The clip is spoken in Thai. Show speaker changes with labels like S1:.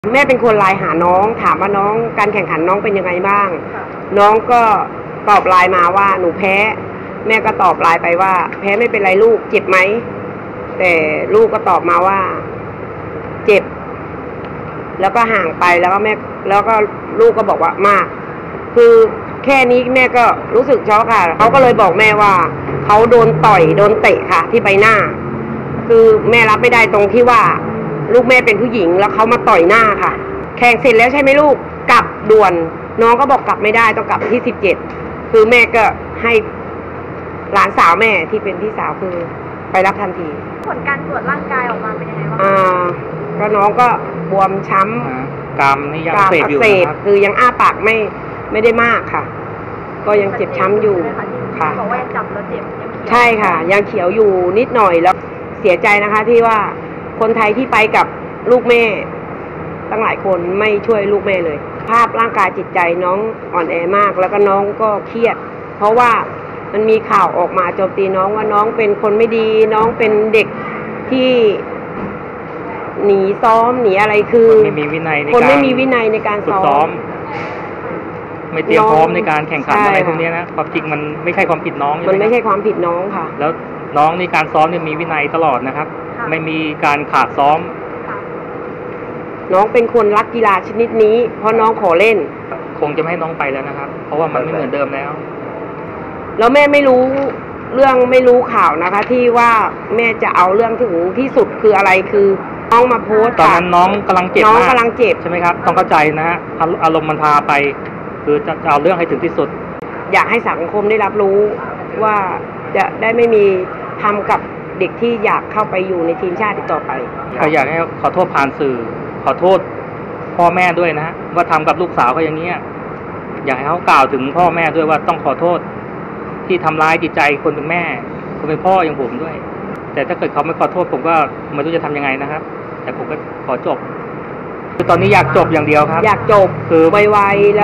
S1: แม่เป็นคนไลน์หาน้องถามว่าน้องการแข่งขันน้องเป็นยังไงบ้างน้องก็ตอบไลน์มาว่าหนูแพ้แม่ก็ตอบไลน์ไปว่าแพ้ไม่เป็นไรลูกเจ็บไหมแต่ลูกก็ตอบมาว่าเจ็บแล้วก็ห่างไปแล้วก็แม่แล้วก็ลูกก็บอกว่ามากคือแค่นี้แม่ก็รู้สึกช็อกค่ะเขาก็เลยบอกแม่ว่าเขาโดนต่อยโดนเตะค่ะที่ใบหน้าคือแม่รับไม่ได้ตรงที่ว่าลูกแม่เป็นผู้หญิงแล้วเขามาต่อยหน้าค่ะแข่งเสร็จแล้วใช่ไหมลูกกลับด่วนน้องก็บอกกลับไม่ได้ต้องกลับที่17คือแม่ก็ให้หลานสาวแม่ที่เป็นพี่สาวคือไปรับทันที
S2: ผลการตรวจร่างกายออกมาเป็นยังไงบ้าง
S1: ก็น้องก็บวมช้ำ
S3: กรามนี่ยังเสพอยู่นะครับ
S1: คือยังอ้าปากไม่ได้มากค่ะก็ยังเจ็บช้ำอยู่ค่ะ
S2: บอกว่ายังจับแล้วเจ็บ
S1: ใช่ค่ะยังเขียวอยู่นิดหน่อยแล้วเสียใจนะคะที่ว่าคนไทยที่ไปกับลูกแม่ตั้งหลายคนไม่ช่วยลูกแม่เลยภาพร่างกายจิตใจน้องอ่อนแอมากแล้วก็น้องก็เครียดเพราะว่ามันมีข่าวออกมาโจมตีน้องว่าน้องเป็นคนไม่ดีน้องเป็นเด็กที่หนีซ้อมหนีอะไรคือ
S3: คนไม่มีวินัย
S1: ในการซ้อม
S3: ไม่เตรียมพร้อมในการแข่งขันอะไรพวกนี้นะความจริงมันไม่ใช่ความผิดน้อง
S1: มันไม่ใช่ความผิดน้องค่ะ
S3: แล้วน้องในการซ้อมเนี่ยมีวินัยตลอดนะครับไม่มีการขาดซ้อม
S1: น้องเป็นคนรักกีฬาชนิดนี้เพราะน้องขอเล่น
S3: คงจะไม่ให้น้องไปแล้วนะครับเพราะว่ามันไม่เหมือนเดิมแล้ว
S1: แม่ไม่รู้ข่าวนะคะที่ว่าแม่จะเอาเรื่องถึงที่สุดคืออะไรคือน้องมาโพสต์
S3: ตอนนั้นน้องกำลังเจ็บ
S1: ใช่ไหม
S3: ครับต้องเข้าใจนะฮะอารมณ์มันพาไปคือจะเอาเรื่องให้ถึงที่สุด
S1: อยากให้สังคมได้รับรู้ว่าจะได้ไม่มีทำกับเด็กที่อยากเข้าไปอยู่ในทีมชาติต่อไป
S3: ก็อยากให้ขอโทษผ่านสื่อขอโทษพ่อแม่ด้วยนะว่าทำกับลูกสาวเขาอย่างนี้อยากให้เขากล่าวถึงพ่อแม่ด้วยว่าต้องขอโทษที่ทำร้ายจิตใจคนเป็นแม่คนเป็นพ่ออย่างผมด้วยแต่ถ้าเกิดเขาไม่ขอโทษผมก็ไม่รู้จะทำยังไงนะครับแต่ผมก็ขอจบคือตอนนี้อยากจบอย่างเดียวครับ
S1: อยากจบคือไวๆ